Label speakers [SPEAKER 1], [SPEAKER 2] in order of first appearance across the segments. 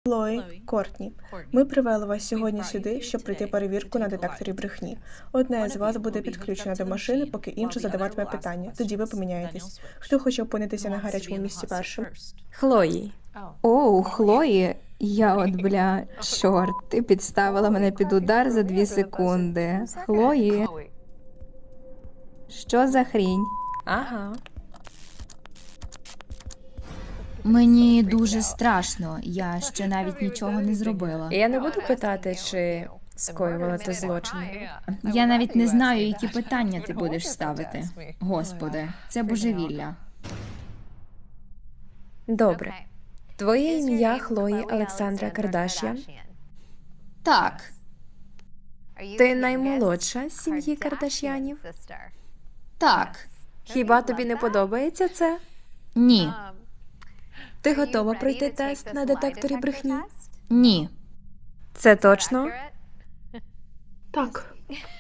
[SPEAKER 1] Хлої, Кортні, ми привели вас сьогодні сюди, щоб пройти перевірку на детекторі брехні. Одна з вас буде підключена до машини, поки інша задаватиме питання. Тоді ви поміняєтесь. Хто хоче опинитися на гарячому місці першим?
[SPEAKER 2] Хлої.
[SPEAKER 3] Оу, Хлої, чорт, ти підставила мене під удар за 2 секунди. Хлої, що за хрінь?
[SPEAKER 2] Ага.
[SPEAKER 4] Мені дуже страшно, я ще навіть нічого не зробила.
[SPEAKER 2] Я не буду питати, чи скоювала ти злочини.
[SPEAKER 4] Я навіть не знаю, які питання ти будеш ставити. Господи, це божевілля.
[SPEAKER 2] Добре. Твоє ім'я Хлої Олександра Кардаш'ян.
[SPEAKER 4] Так,
[SPEAKER 2] Ти наймолодша з сім'ї Кардаш'янів.
[SPEAKER 4] так,
[SPEAKER 2] Хіба тобі не подобається це?
[SPEAKER 4] ні,
[SPEAKER 2] Ти готова пройти тест на детекторі брехні?
[SPEAKER 4] ні.
[SPEAKER 2] Це точно?
[SPEAKER 1] Так.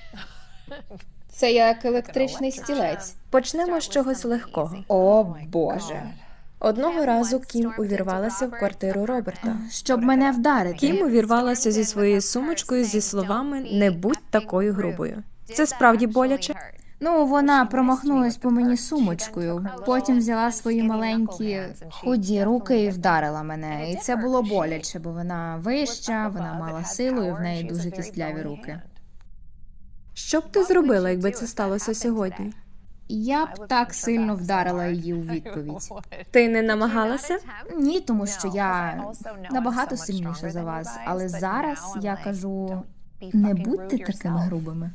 [SPEAKER 3] Це як електричний стілець.
[SPEAKER 2] Почнемо з чогось легкого.
[SPEAKER 3] О, Боже.
[SPEAKER 2] Одного разу Кім увірвалася в квартиру Роберта.
[SPEAKER 4] Щоб мене вдарити.
[SPEAKER 2] Кім увірвалася зі своєю сумочкою зі словами «Не будь такою грубою». Це справді боляче?
[SPEAKER 4] Ну, вона промахнулась по мені сумочкою, потім взяла свої маленькі худі руки і вдарила мене. І це було боляче, бо вона вища, вона мала силу і в неї дуже кістляві руки.
[SPEAKER 2] Що б ти зробила, якби це сталося сьогодні?
[SPEAKER 4] Я б так сильно вдарила її у відповідь.
[SPEAKER 2] Ти не намагалася?
[SPEAKER 4] Ні, тому що я набагато сильніша за вас. Але зараз я кажу, не будьте такими грубими.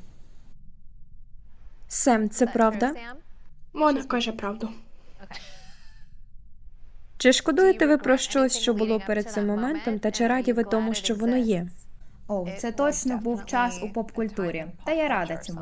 [SPEAKER 2] Сем, це правда?
[SPEAKER 1] Вона каже правду.
[SPEAKER 2] Чи шкодуєте ви про щось, що було перед цим моментом, та чи раді ви тому, що воно є?
[SPEAKER 4] О, це точно був час у поп-культурі. Та я рада цьому.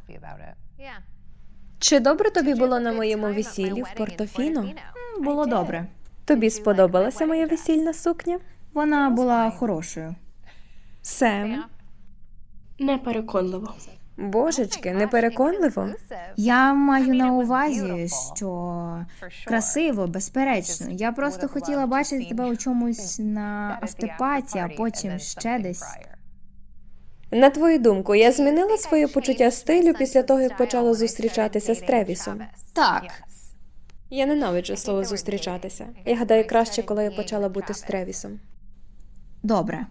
[SPEAKER 2] Чи добре тобі було на моєму весіллі в Портофіно?
[SPEAKER 4] Було добре.
[SPEAKER 2] Тобі сподобалася моя весільна сукня?
[SPEAKER 4] Вона була хорошою.
[SPEAKER 2] Сем,
[SPEAKER 1] Непереконливо.
[SPEAKER 2] божечки, непереконливо?
[SPEAKER 4] Я маю на увазі, що красиво, безперечно. Я просто хотіла бачити тебе у чомусь на автопаті, а потім ще десь.
[SPEAKER 2] На твою думку, я змінила своє почуття стилю після того, як почала зустрічатися з Тревісом?
[SPEAKER 4] Так,
[SPEAKER 2] Я ненавиджу слово «зустрічатися». Я гадаю, краще, коли я почала бути з Тревісом.
[SPEAKER 4] добре.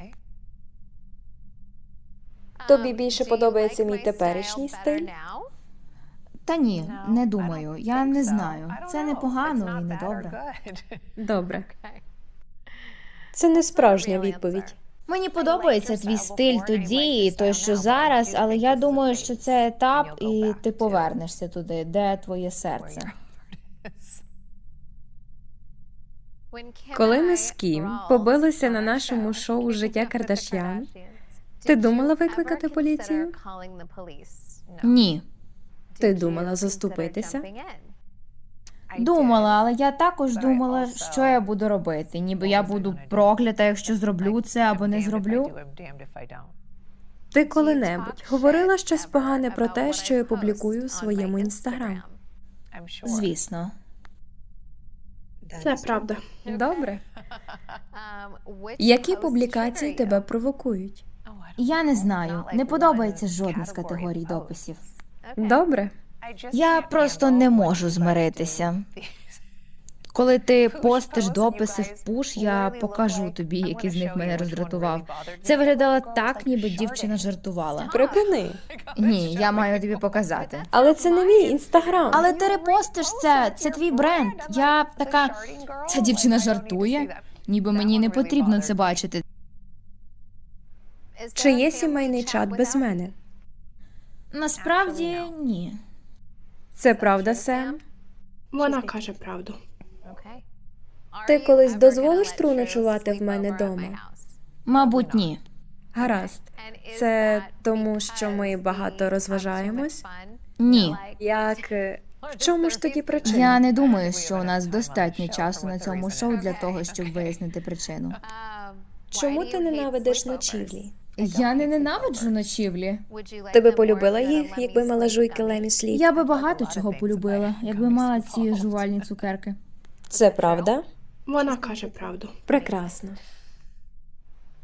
[SPEAKER 2] Тобі більше подобається мій теперішній стиль?
[SPEAKER 4] Та ні, не думаю. Я не знаю. Це не погано і не добре.
[SPEAKER 2] Добре. Це не справжня відповідь.
[SPEAKER 4] Мені подобається твій стиль тоді і той, що зараз, але я думаю, що це етап, і ти повернешся туди, де твоє серце.
[SPEAKER 2] Коли ми з Кім побилися на нашому шоу «Життя Кардаш'ян», ти думала викликати поліцію?
[SPEAKER 4] Ні.
[SPEAKER 2] Ти думала заступитися?
[SPEAKER 4] Думала, але я також думала, що я буду робити. Ніби я буду проклята, якщо зроблю це або не зроблю.
[SPEAKER 2] Ти коли-небудь говорила щось погане про те, що я публікую у своєму інстаграм?
[SPEAKER 4] Звісно.
[SPEAKER 1] Це правда.
[SPEAKER 2] Добре. Які публікації тебе провокують?
[SPEAKER 4] Я не знаю. Не подобається жодна з категорій дописів.
[SPEAKER 2] Добре.
[SPEAKER 4] Я просто не можу змиритися. Коли ти постиш дописи в пуш, я покажу тобі, який з них мене роздратував. Це виглядало так, ніби дівчина жартувала.
[SPEAKER 2] Припини.
[SPEAKER 4] Ні, я маю тобі показати.
[SPEAKER 2] Але це не мій інстаграм.
[SPEAKER 4] Але ти репостиш це твій бренд. Я така, ця дівчина жартує, ніби мені не потрібно це бачити.
[SPEAKER 2] Чи є сімейний чат без мене?
[SPEAKER 4] Насправді, ні.
[SPEAKER 2] Це правда, Сем?
[SPEAKER 1] Вона каже правду.
[SPEAKER 2] Ти колись дозволиш Тру ночувати в мене дома?
[SPEAKER 4] Мабуть, ні.
[SPEAKER 2] Гаразд. Це тому, що ми багато розважаємось?
[SPEAKER 4] Ні.
[SPEAKER 2] Як... В чому ж тоді причина?
[SPEAKER 4] Я не думаю, що у нас достатньо часу на цьому шоу для того, щоб вияснити причину.
[SPEAKER 2] Чому ти ненавидиш ночівлі?
[SPEAKER 4] Я не ненавиджу ночівлі.
[SPEAKER 2] Ти би полюбила їх, якби мала жуйки Лемі Сліп?
[SPEAKER 4] Я би багато чого полюбила, якби мала ці жувальні цукерки.
[SPEAKER 2] Це правда?
[SPEAKER 1] Вона каже правду.
[SPEAKER 2] Прекрасно.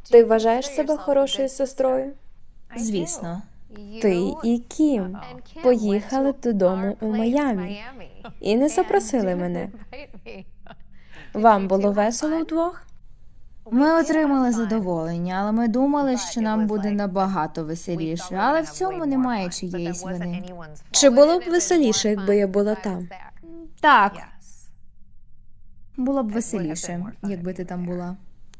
[SPEAKER 2] Ти вважаєш себе хорошою сестрою?
[SPEAKER 4] Звісно.
[SPEAKER 2] Ти і Кім поїхали додому у Майамі і не запросили мене. Вам було весело вдвох?
[SPEAKER 4] Ми отримали задоволення, але ми думали, що нам буде набагато веселіше. Але в цьому немає чиєїсь вини.
[SPEAKER 2] Чи було б веселіше, якби я була там?
[SPEAKER 4] Так, було б веселіше, якби ти там була.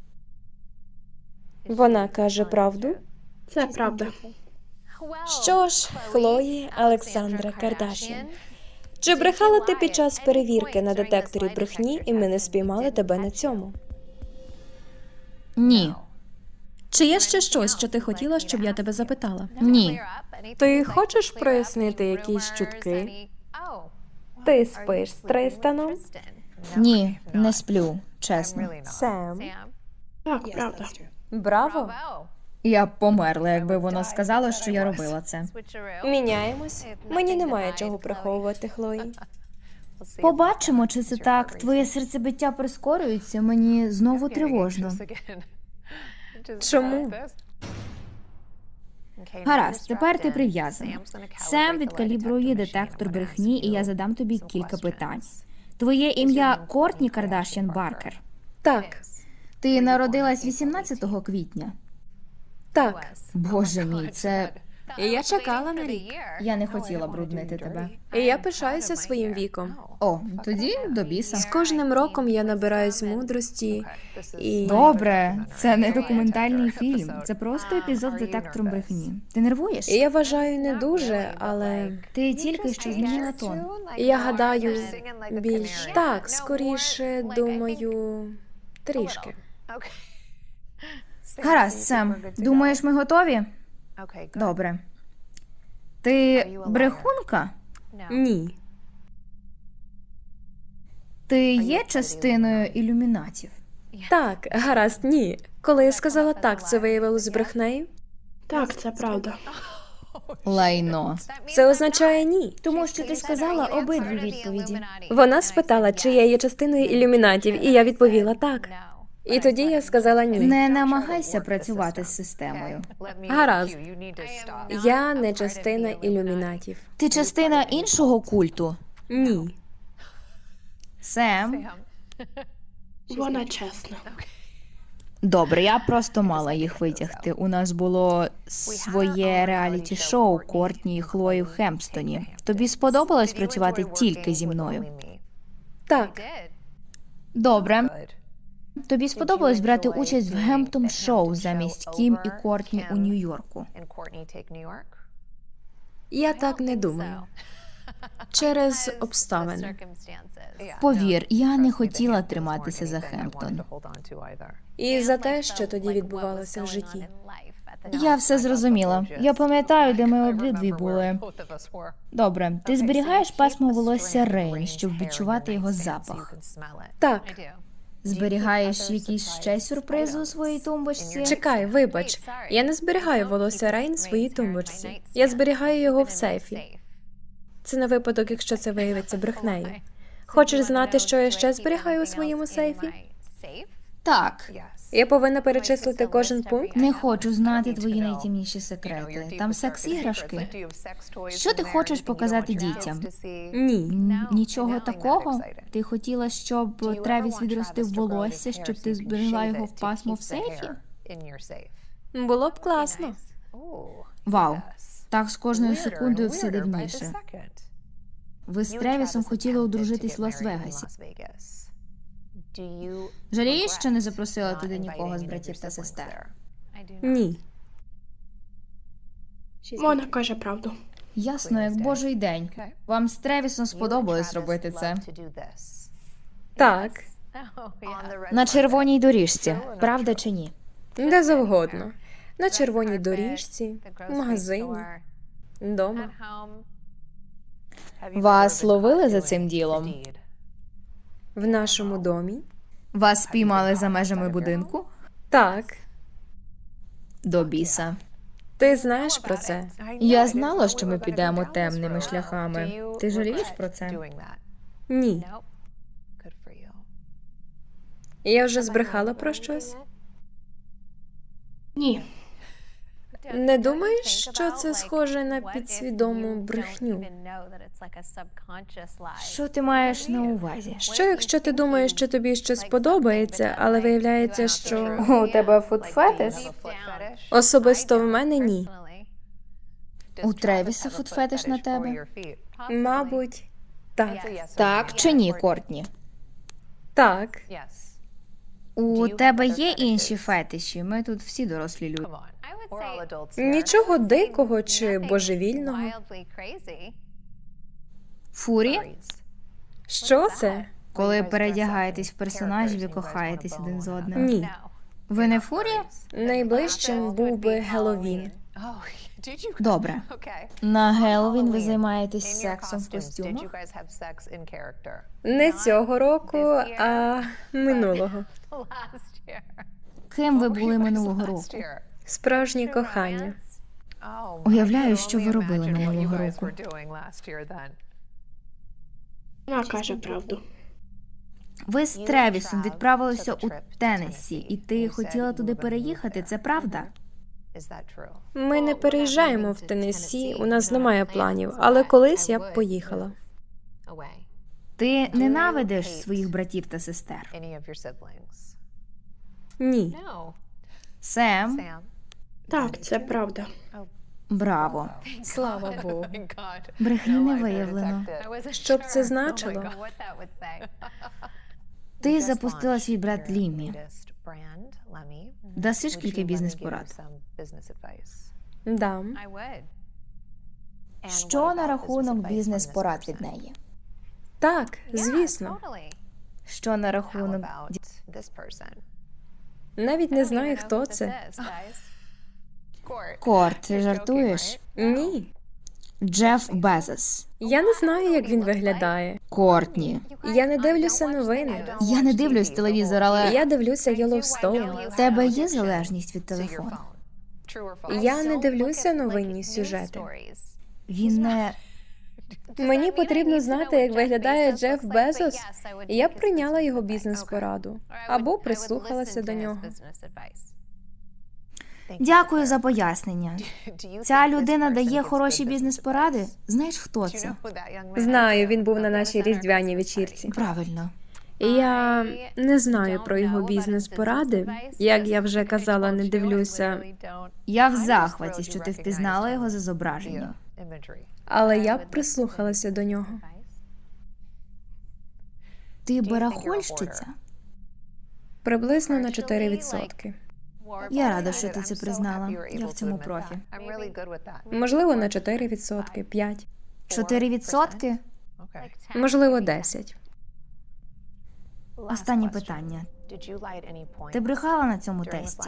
[SPEAKER 2] Вона каже правду?
[SPEAKER 1] Це правда.
[SPEAKER 2] Що ж, Хлої Олександра Кардашян, чи брехала ти під час перевірки на детекторі брехні, і ми не спіймали тебе на цьому?
[SPEAKER 4] Ні.
[SPEAKER 2] Чи є ще щось, що ти хотіла, щоб я тебе запитала?
[SPEAKER 4] Ні.
[SPEAKER 2] Ти хочеш прояснити якісь чутки? Ти спиш з Тристаном?
[SPEAKER 4] Ні, не сплю, чесно.
[SPEAKER 2] Сем.
[SPEAKER 1] Так, правда.
[SPEAKER 2] Браво!
[SPEAKER 4] Я б померла, якби воно сказало, що я робила це.
[SPEAKER 2] Міняємось. Мені немає чого приховувати, Хлої.
[SPEAKER 4] Побачимо, чи це так. Твоє серцебиття прискорюється, мені знову тривожно.
[SPEAKER 2] Чому?
[SPEAKER 4] Гаразд, тепер ти прив'язана. Сем відкалібрує детектор брехні, і я задам тобі кілька питань. Твоє ім'я Кортні Кардашян Баркер.
[SPEAKER 2] Так,
[SPEAKER 4] Ти народилась 18 квітня.
[SPEAKER 2] так.
[SPEAKER 4] Боже мій, це...
[SPEAKER 2] І я чекала на рік.
[SPEAKER 4] Я не хотіла бруднити тебе.
[SPEAKER 2] І я пишаюся своїм віком.
[SPEAKER 4] О, тоді до біса.
[SPEAKER 2] З кожним роком я набираюсь мудрості і...
[SPEAKER 4] Добре, це не документальний фільм. Це просто епізод з детектором брехні. Ти нервуєш?
[SPEAKER 2] Я вважаю, не дуже, але
[SPEAKER 4] Ти тільки що змінила тон.
[SPEAKER 2] я гадаю, більш так, скоріше, думаю, трішки.
[SPEAKER 4] Гаразд, Сем. Думаєш, ми готові? Добре. Ти брехунка?
[SPEAKER 2] Ні.
[SPEAKER 4] Ти є частиною ілюмінатів?
[SPEAKER 2] Так, гаразд, ні. Коли я сказала так, це виявилось брехнею?
[SPEAKER 1] Так, це правда.
[SPEAKER 4] Лайно.
[SPEAKER 2] Це означає ні.
[SPEAKER 4] Тому що ти сказала обидві відповіді.
[SPEAKER 2] Вона спитала, чи я є частиною ілюмінатів, і я відповіла так. І тоді я сказала ні.
[SPEAKER 4] Не намагайся працювати з системою.
[SPEAKER 2] Гаразд. Я не частина ілюмінатів.
[SPEAKER 4] Ти частина іншого культу?
[SPEAKER 2] Ні.
[SPEAKER 4] Сем?
[SPEAKER 1] Вона чесна.
[SPEAKER 4] Добре, я просто мала їх витягти. У нас було своє реаліті-шоу Кортні і Хлої в Хемпстоні. Тобі сподобалось працювати тільки зі мною?
[SPEAKER 2] Так.
[SPEAKER 4] Добре. Тобі сподобалось брати участь в Гемптон-шоу замість Кім і Кортні у Нью-Йорку?
[SPEAKER 2] Я так не думаю. Через обставини.
[SPEAKER 4] Повір, я не хотіла триматися за Хемптон.
[SPEAKER 2] І за те, що тоді відбувалося в житті.
[SPEAKER 4] Я все зрозуміла. Я пам'ятаю, де ми обидві були. Добре, ти зберігаєш пасмо волосся Рейн, щоб відчувати його запах.
[SPEAKER 2] Так.
[SPEAKER 4] Зберігаєш якісь ще сюрпризи у своїй тумбочці?
[SPEAKER 2] Чекай, вибач. Я не зберігаю волосся Рейн в своїй тумбочці. Я зберігаю його в сейфі. Це на випадок, якщо це виявиться брехнею. Хочеш знати, що я ще зберігаю у своєму сейфі?
[SPEAKER 4] Так.
[SPEAKER 2] Я повинна перечислити кожен пункт?
[SPEAKER 4] Не хочу знати твої найтемніші секрети. Там секс-іграшки. Що ти хочеш показати дітям?
[SPEAKER 2] Ні.
[SPEAKER 4] Нічого такого? Ти хотіла, щоб Тревіс відростив волосся, щоб ти зберегла його в пасмо в сейфі?
[SPEAKER 2] Було б класно.
[SPEAKER 4] Вау. Так з кожною секундою все дивніше. Ви з Тревісом хотіли одружитись в Лас-Вегасі. Жалієш, що не запросила туди нікого з братів та сестер?
[SPEAKER 2] Ні.
[SPEAKER 1] Вона каже правду.
[SPEAKER 4] Ясно, як божий день. Вам з Тревісом сподобалось робити це.
[SPEAKER 2] Так.
[SPEAKER 4] На червоній доріжці, правда чи ні?
[SPEAKER 2] Де завгодно. На червоній доріжці, в магазині, вдома.
[SPEAKER 4] Вас ловили за цим ділом?
[SPEAKER 2] В нашому домі.
[SPEAKER 4] Вас спіймали за межами будинку?
[SPEAKER 2] Так.
[SPEAKER 4] До біса.
[SPEAKER 2] Ти знаєш про це?
[SPEAKER 4] Я знала, що ми підемо темними шляхами. Ти жалієш про це?
[SPEAKER 2] Ні. Я вже збрехала про щось?
[SPEAKER 1] Ні.
[SPEAKER 2] Не думаєш, що це схоже на підсвідому брехню?
[SPEAKER 4] Що ти маєш на увазі?
[SPEAKER 2] Що якщо ти думаєш, що тобі щось подобається, але виявляється, що
[SPEAKER 3] У тебе футфетиш?
[SPEAKER 2] особисто в мене ні.
[SPEAKER 4] У Тревіса футфетиш на тебе?
[SPEAKER 2] Мабуть, так.
[SPEAKER 4] Так чи ні, Кортні?
[SPEAKER 2] Так.
[SPEAKER 4] У тебе є інші фетиші? Ми тут всі дорослі люди.
[SPEAKER 2] Нічого дикого чи божевільного.
[SPEAKER 4] Фурі?
[SPEAKER 2] Що це?
[SPEAKER 4] Коли передягаєтесь в персонажів і кохаєтесь один з одним.
[SPEAKER 2] Ні.
[SPEAKER 4] Ви не фурі?
[SPEAKER 2] Найближчим був би Геловін.
[SPEAKER 4] Добре. На Геловін ви займаєтесь сексом в костюмах?
[SPEAKER 2] Не цього року, а минулого.
[SPEAKER 4] Ким ви були минулого року?
[SPEAKER 2] Справжнє кохання.
[SPEAKER 4] Уявляю, що ви робили минулого року.
[SPEAKER 1] Вона каже правду.
[SPEAKER 4] Ви з Тревісом відправилися у Теннессі, і ти хотіла туди переїхати, це правда?
[SPEAKER 2] Ми не переїжджаємо в Теннессі, у нас немає планів, але колись я б поїхала.
[SPEAKER 4] Ти ненавидиш своїх братів та сестер?
[SPEAKER 2] Ні.
[SPEAKER 4] Сем?
[SPEAKER 1] Так, це правда.
[SPEAKER 4] Браво.
[SPEAKER 2] Слава Богу.
[SPEAKER 4] Брехні не виявлено.
[SPEAKER 2] Що б це значило?
[SPEAKER 4] Ти запустила свій бренд Лімі. Дасиш кілька бізнес-порад?
[SPEAKER 2] Дам.
[SPEAKER 4] Що на рахунок бізнес-порад від неї?
[SPEAKER 2] Так, звісно.
[SPEAKER 4] Що на рахунок...
[SPEAKER 2] Навіть не знаю, хто це.
[SPEAKER 4] Корт, ти жартуєш?
[SPEAKER 2] Ні.
[SPEAKER 4] Джеф Безос.
[SPEAKER 2] Я не знаю, як він виглядає.
[SPEAKER 4] Кортні.
[SPEAKER 2] Я не дивлюся новини.
[SPEAKER 4] Я не дивлюсь телевізор, але
[SPEAKER 2] Я дивлюся Йеллоустоун.
[SPEAKER 4] в тебе є залежність від телефону?
[SPEAKER 2] Я не дивлюся новинні сюжети.
[SPEAKER 4] Він не...
[SPEAKER 2] Мені потрібно знати, як виглядає Джеф Безос, і я б прийняла його бізнес-пораду. Або прислухалася до нього.
[SPEAKER 4] Дякую за пояснення. Ця людина дає хороші бізнес-поради? Знаєш, хто це?
[SPEAKER 2] Знаю, він був на нашій різдвяній вечірці.
[SPEAKER 4] Правильно.
[SPEAKER 2] Я не знаю про його бізнес-поради. Як я вже казала, не дивлюся.
[SPEAKER 4] Я в захваті, що ти впізнала його за зображенням.
[SPEAKER 2] Але я б прислухалася до нього.
[SPEAKER 4] Ти барахольщиця?
[SPEAKER 2] Приблизно на 4%.
[SPEAKER 4] Я рада, що ти це признала. Я в цьому профі.
[SPEAKER 2] Можливо, на 4%, 5%.
[SPEAKER 4] 4%?
[SPEAKER 2] Можливо, 10%.
[SPEAKER 4] Останнє питання. Ти брехала на цьому тесті?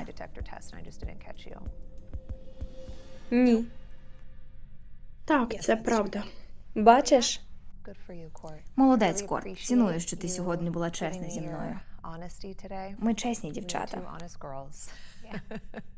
[SPEAKER 2] Ні.
[SPEAKER 1] Так, це правда.
[SPEAKER 2] Бачиш?
[SPEAKER 4] Молодець, Корт. Ціную, що ти сьогодні була чесна зі мною. Ми чесні дівчата.